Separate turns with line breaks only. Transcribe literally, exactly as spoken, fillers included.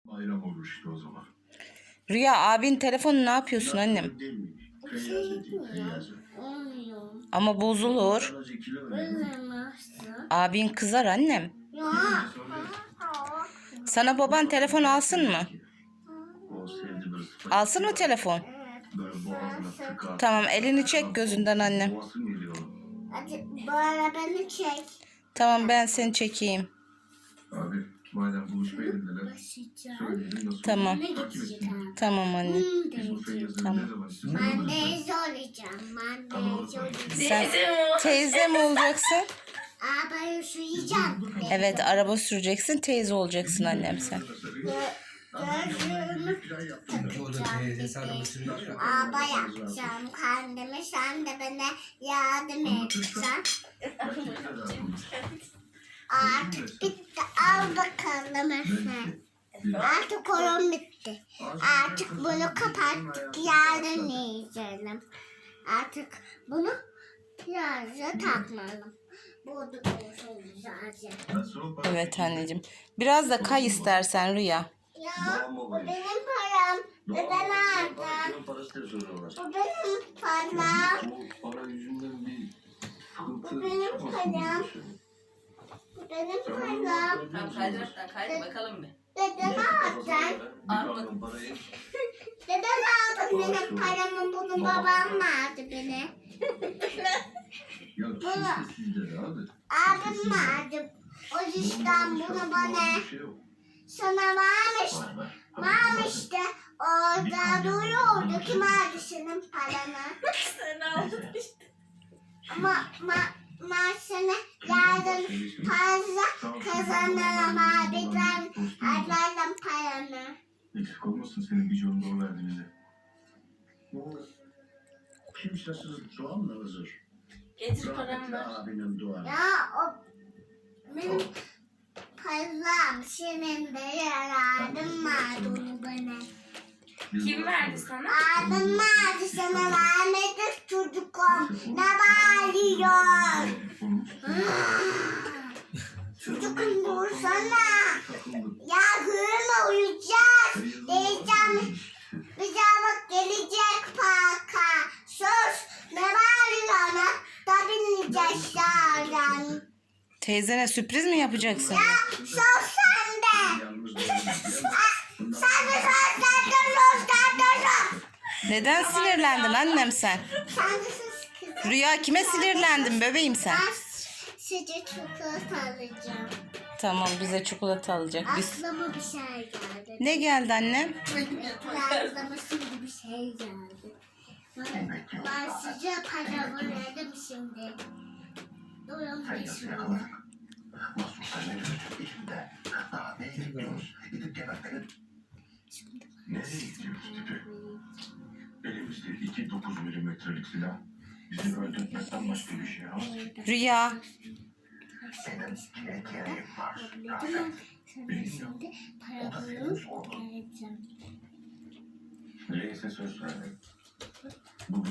Bayram olur işte o zaman.
Rüya, abin telefonu ne yapıyorsun annem?
Bir şey yapmıyorum. Olmuyor.
Ama bozulur.
Bozulmazsa.
Abin kızar annem.
Ya.
Sana baban telefon alsın mı? Alsın mı telefon?
Evet.
Tamam, elini çek gözünden annem.
Hadi bana beni çek.
Tamam, ben seni çekeyim.
Abi madem buluşmayalım dediler.
Başlayacağım.
Söyleyelim nasıl
Tamam.
Ne gideceğim?
Tamam anne.
Hmm,
Biz bu
diyeceğim.
yazını
Tamam.
ne zaman istiyorsun?
Ben teyze olacağım. Ben teyze olacağım.
Sen teyze mi olacaksın?
Aa ben üşüyeceğim.
Evet, araba süreceksin, teyze olacaksın annem sen.
Gözlüğümü takacağım. Araba yapacağım kendime. Sen de bana yardım edeceksin. Artık bitti. Al bakalım Efe. Artık oyun bitti. Artık bunu kapattık. Yarın yiyeceğim. Artık bunu yarın takmalım. Burada olsun güzelce.
Evet anneciğim. Biraz da kay istersen Rüya.
Ya bu benim param. Neden aldın? Bu benim param.
Para yüzünden bir sıkıntı.
Bu benim param. Bu benim param.
Tamam kaydıraktan kaydı bakalım bir.
Neden aldın?
Almadım.
Neden aldın benim paramı? Bunu babam verdi beni.
Ya kimse sizlere abi.
Abim verdi. O yüzden bunu bana sana vermiş. Vermişti. Orada duruyordu. Kim aldı senin paranı?
Sen aldın işte.
Ama ma ma sana yarın fazla kazanırım abi. Ben alırım paranı.
Eksik olmasın senin bir canlı o verdi bize. Bu kimsesiz soğan mı hazır?
Getir paramı ver.
Abinin duanı.
Ya o benim param senin de yararım vardı onu bana.
Kim verdi sana?
Abim vardı sana vermedi çocukum. Ne bağırıyor? Çocukum dursana. Ya gülme uyuyacağız. Diyeceğim. Bir daha bak gelecek parka. Sus. Ne bağırıyor ona? Da bineceğiz yarın.
Teyzene sürpriz mi yapacaksın?
Ya sus sen de. Sen de sus. Sen de sus. Sen de sus.
Neden sinirlendin annem sen?
Sen de sus kızım.
Rüya, kime sinirlendin bebeğim sen?
Ben size çikolata alacağım.
Tamam, bize çikolata alacak. Biz...
Aklıma bir şey geldi.
Ne geldi annem?
Aklıma şimdi bir şey geldi. Ben, ben size para verdim şimdi. Durun bir şimdi.
Mahsus sen ne diyorsun içinde? Daha ne gidiyoruz? Gidip gebertelim. Nereye gidiyoruz tipi? Elimizde iki dokuz milimetrelik silah. Bizi öldürtmekten başka bir şey yok.
Rüya,
Senin kime gereğin var?
Tamam. Sana şimdi para bulup geleceğim.
Reis'e söz verdim. Bugün